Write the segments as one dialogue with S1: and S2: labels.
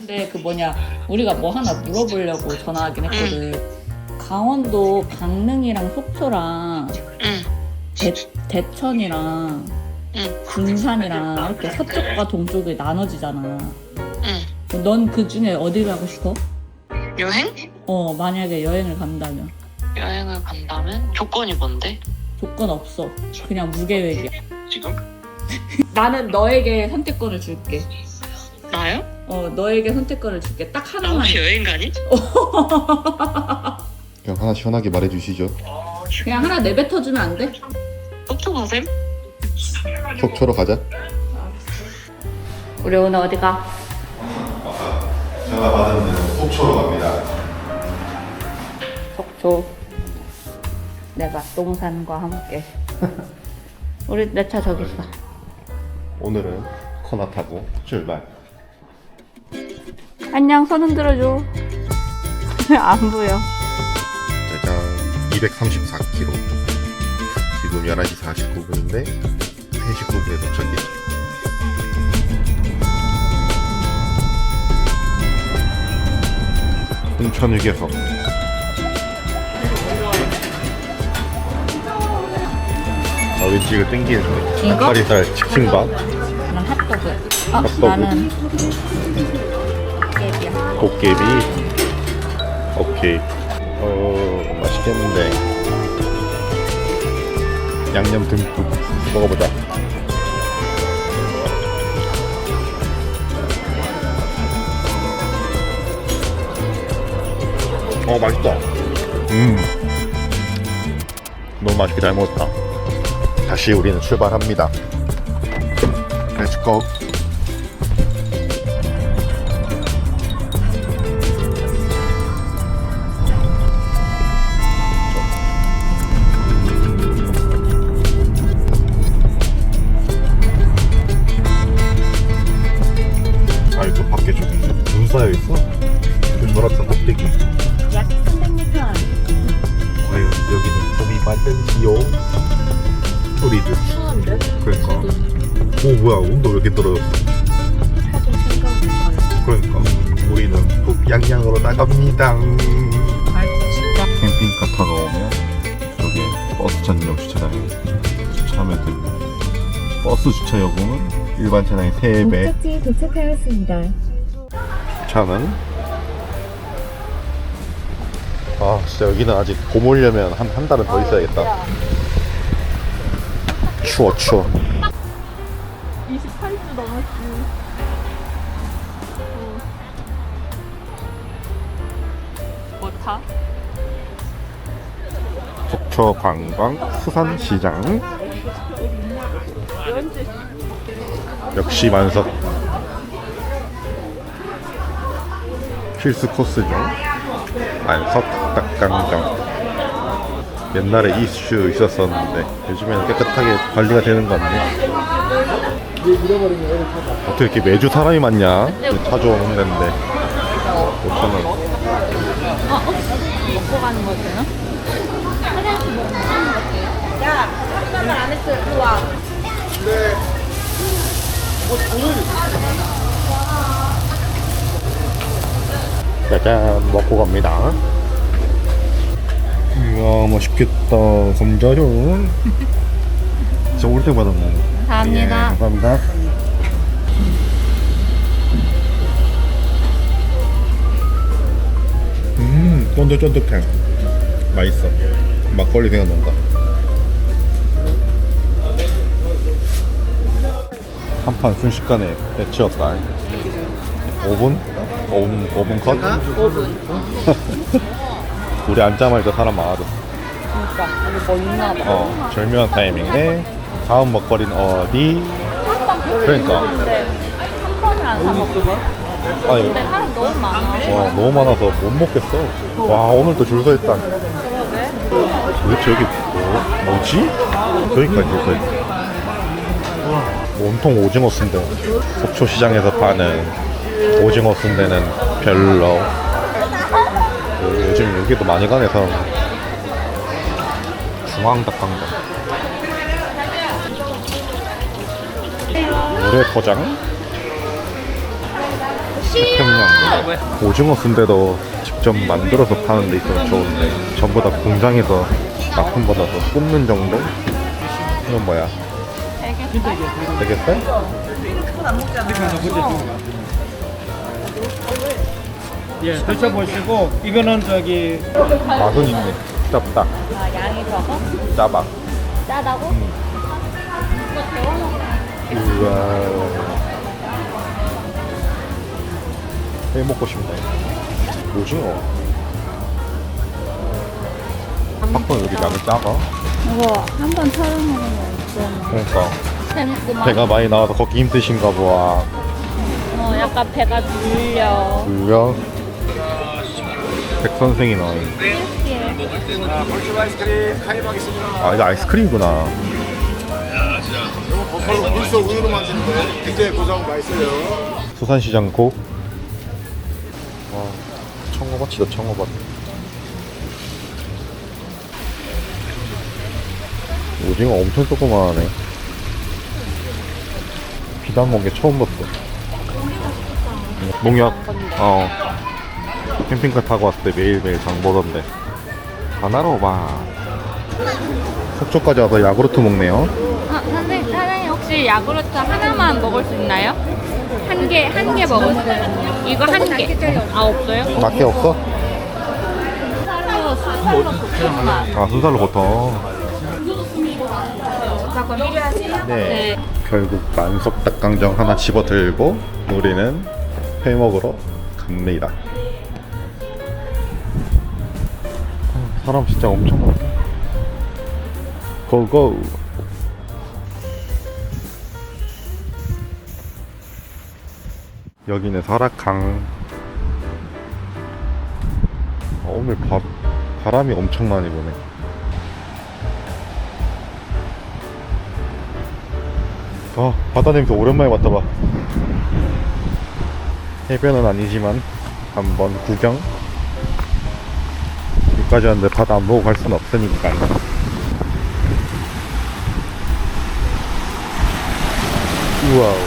S1: 근데 그 뭐냐 우리가 뭐 하나 물어보려고 전화하긴 했거든. 강원도 강릉이랑 속초랑 대천이랑 군산이랑 이렇게 서쪽과 동쪽이 나눠지잖아. 넌 그 중에 어디 가고 싶어?
S2: 여행?
S1: 만약에 여행을 간다면.
S2: 여행을 간다면? 조건이 뭔데?
S1: 조건 없어. 그냥 무계획이야.
S2: 지금?
S1: 나는 너에게 선택권을 줄게.
S2: 나요?
S1: 너에게 선택권을 줄게. 딱
S2: 나
S1: 하나만.
S2: 혹시 여행 가니?
S3: 그냥 하나 시원하게 말해주시죠.
S1: 그냥 하나 내뱉어주면 안 돼?
S2: 속초 가셈?
S3: 속초로 가자.
S1: 우리 오늘 어디 가?
S3: 전화 받은 데는 속초로 갑니다.
S1: 속초. 내가 똥산과 함께. 우리 내 차 저기 있어.
S3: 오늘은 코나 타고 출발.
S1: 안녕, 손 흔들어줘. 안 보여.
S3: 짜잔, 234km. 지금 11시 49분인데 3시 9분에 도착해. 홍천 휴게소. 왠지 이거 땡기네.
S1: 이거?
S3: 닭다리살 치킨밥.
S1: 난 핫도그.
S3: 핫도그.
S1: 나는 깨비야.
S3: 도깨비. 오케이. 맛있겠는데. 양념 듬뿍 먹어보자. 맛있다. 너무 맛있게 잘 먹었다. 다시 우리는 출발합니다. Let's go. 또 밖에 좀 눈 쌓여 있어. 좀 놀았던 껍데기.
S1: 약 300m.
S3: 과연 여기는 봄이 맞는지요? 소리들.
S1: 추운데?
S3: 그러니까. 오 뭐야 온도 왜 이렇게 떨어졌어?
S1: 사진 생각보다.
S3: 그러니까 우리는 북양양으로 나갑니다.
S1: 진짜.
S3: 캠핑카 타고 오면 저기 버스 전용 주차장에 주차하면 됩니다. 버스 주차 요금은 일반 차량의 3배.
S4: 목적지에 도착하였습니다.
S3: 주차는 진짜 여기는 아직 봄 오려면 한 달은 더 있어야겠다. 추워
S1: 28주 넘었지. 뭐 타?
S3: 속초 관광 수산시장. 역시 만석. 필수 코스 중 만석 닭강정. 옛날에 이슈 있었었는데 요즘에는 깨끗하게 관리가 되는 것 같네. 어떻게 이렇게 매주 사람이 많냐? 차 좋은 데인데 5,000원.
S1: 먹고 가는 거잖아? 야, 잠깐만 안 했어. 일로 와.
S3: 짜잔 먹고 갑니다. 이야 맛있겠다. 감자전. 진짜 올 때마다 먹어.
S1: 감사합니다.
S3: 예, 감사합니다. 쫀득쫀득해. 맛있어. 막걸리 생각난다. 한 판 순식간에 배치웠다. 5분? 5분 컷?
S1: 5분.
S3: 우리 앉자마자 사람 많아졌어.
S1: 그러니까 여기 뭐 있나 봐.
S3: 절묘한 타이밍에 다음 먹거리는 어디? 그러니까.
S1: 근데 한 번을 안 사 먹고.
S3: 아니,
S1: 근데 사람 너무 많아.
S3: 너무 많아서 못 먹겠어. 와 오늘도 줄 서 있다.
S1: 그러게.
S3: 도대체 여기 뭐지? 여기까지 줄 서 있다. 온통 오징어 순대. 속초시장에서 파는 오징어 순대는 별로. 요즘 여기도 많이 가네 사람. 중앙닭강정. 물회 포장. 평양 오징어 순대도 직접 만들어서 파는 데 있어서 좋은데 전부 다 공장에서 납품 받아서 굽는 정도? 이건 뭐야? 대게살?
S4: 예, 드셔보시고 이거는 저기
S3: 맛은 있네. 짭다.
S1: 아, 양이 적어?
S3: 짜봐.
S1: 짜다고? 이거 데워 먹으면
S3: 우와. 회 먹고 싶네. 오징어. 팝콘 여기 양이 작아?
S1: 이거 한 번 촬영해보면 좀
S3: 그러니까
S1: 재밌구만.
S3: 배가 많이 나와서 걷기 힘드신가 보아.
S1: 약간 배가 눌려.
S3: 물려. 백 선생이 나와요. 아 이거 아이스크림이구나.
S5: 버팔로 물소 우유로 만드는 거예요. 굉장히 고소하고 맛있어요.
S3: 수산시장 고. 와 청어밭이다 청어밭. 오징어 엄청 조그만하네. 비단 건 게 처음 봤어. 농약. 캠핑카 타고 왔을 때 매일매일 장 보던데. 하나로 봐. 속초까지 와서 야구르트 먹네요.
S6: 사장님 혹시 야구르트 하나만 먹을 수 있나요? 한 개 먹을 수 있나요? 이거 한 개. 아, 없어요?
S3: 맛게 없어?
S1: 순살로 볶음밥.
S3: 아 순살로 보통. 네. 결국 만석 닭강정 하나 집어들고 우리는 회 먹으러 갑니다. 사람 진짜 엄청 많다. 고고. 여기는 설악강. 오늘 바람이 엄청 많이 부네. 아 바다 냄새 오랜만에 맡아봐. 해변은 아니지만 한번 구경. 여기까지 왔는데 바다 안 보고 갈 수는 없으니까. 우와우.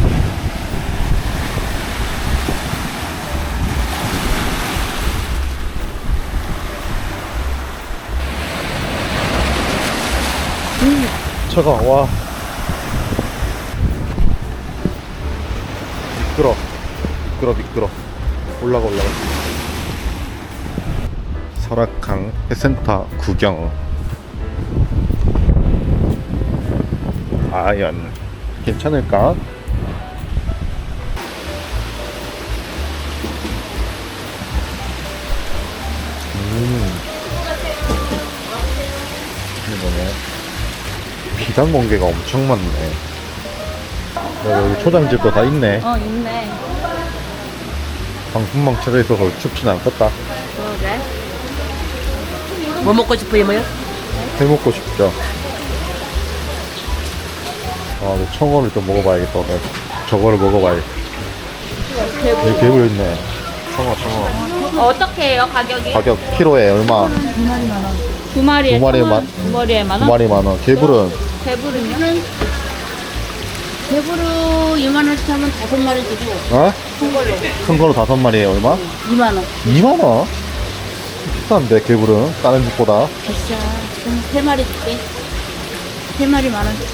S3: 차가워. 와. 미끄러. 올라가. 설악강 해센터 구경. 과연 괜찮을까? 이게 뭐냐? 비단 공개가 엄청 많네. 여기 초장집도 다 있네.
S1: 있네.
S3: 방풍망 쳐져 있어서 춥진 않겠다.
S1: 그러게.
S6: 뭐 먹고 싶어요, 뭐요?
S3: 회 먹고 싶죠. 아, 근데 청어를 좀 먹어봐야겠다. 오늘. 저거를 먹어봐야겠다. 여기 개불 있네. 청어.
S6: 어떻게 해요, 가격이?
S3: 가격 키로에 얼마?
S6: 두 마리에
S3: 두 마리에
S6: 천 원,
S3: 만-
S6: 두 마리에 만
S3: 두
S6: 원?
S3: 마리 만원. 개불은
S6: 배부르면?
S7: 배부로 2만 원씩 하면 5마리 주고
S3: 어? 큰 거로 5마리에 얼마?
S7: 2만 원.
S3: 2만원? 비싼데 개불은 다른 집보다.
S7: 비싸. 그럼 3마리 줄게. 3마리 만 원.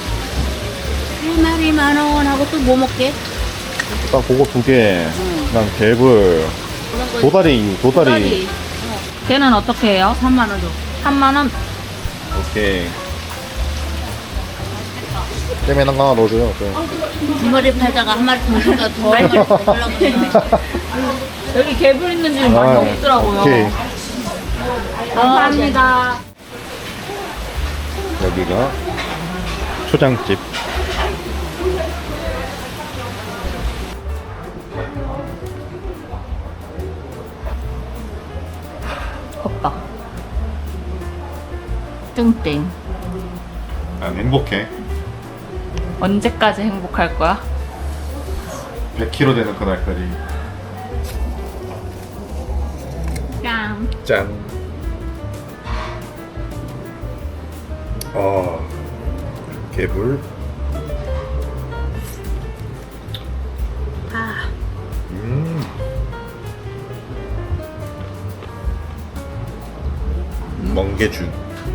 S7: 3마리 만 원 하고 또 뭐 먹게?
S3: 딱 그거 2개. 그냥 개불. 도다리.
S6: 걔는 어떻게 해요?
S7: 3만 원 줘.
S6: 3만 원?
S3: 오케이. 땜에 하나 넣어줘요. 네.
S7: 2마리 팔다가 한 마리 더 줄까 더 한 마리 더 주려고 그래.
S6: 여기 개불 있는 집 많이 없더라고요.
S3: 오케이.
S6: 감사합니다.
S3: 여기가 초장집.
S1: 컵밥. 땡땡.
S3: 난 행복해.
S1: 언제까지 행복할 거야?
S3: 100kg 되는 그날까지.
S1: 짠.
S3: 짠. 개불.
S7: 아,
S3: 멍게죽.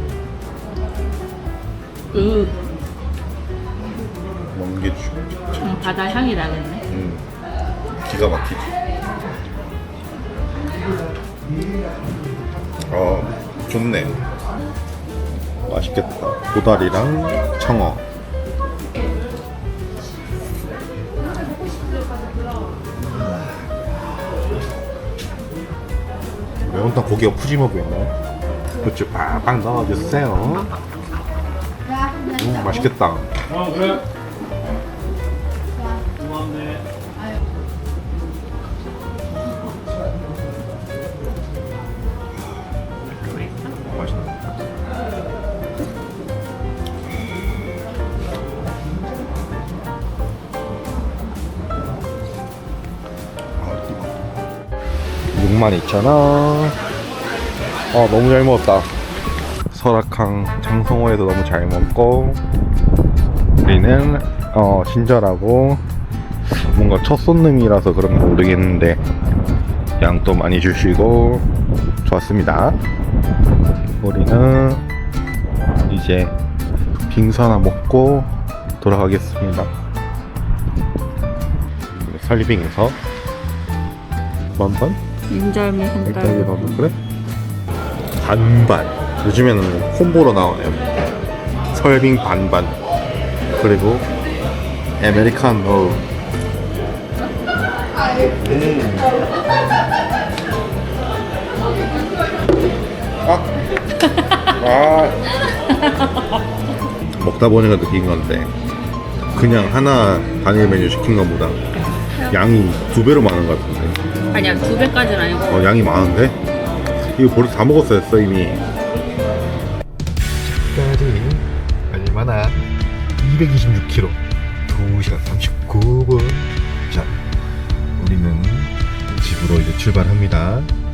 S3: 멍게죽.
S1: 바다 향이 나겠네.
S3: 기가 막히지. 좋네. 맛있겠다. 도다리랑 청어. 매운탕 고기가 푸짐해 보이네. 그렇지, 팍팍 넣어주세요. 맛있겠다.
S4: 그래? 고맙네.
S3: 맛있네. 아, 62,000원. 너무 잘 먹었다. 설악항 장성호에서 너무 잘 먹고, 우리는 친절하고, 뭔가 첫 손님이라서 그런가 모르겠는데 양도 많이 주시고 좋았습니다. 우리는 이제 빙수 하나 먹고 돌아가겠습니다. 설리빙에서 만반?
S1: 인절미
S3: 일단
S1: 한달.
S3: 나도 그래? 반반. 요즘에는 콤보로 나오네요. 설빙 반반 그리고 아메리카노. 먹다 보니까 느낀 건데 그냥 하나 단일 메뉴 시킨 것보다 양이 2배로 많은 것 같은데.
S1: 아니야, 2배까지는 아니고.
S3: 양이 많은데? 이거 벌써 다 먹었어요 이미. 집까지 얼마나 226km 2시간 39분. 자, 우리는 집으로 이제 출발합니다.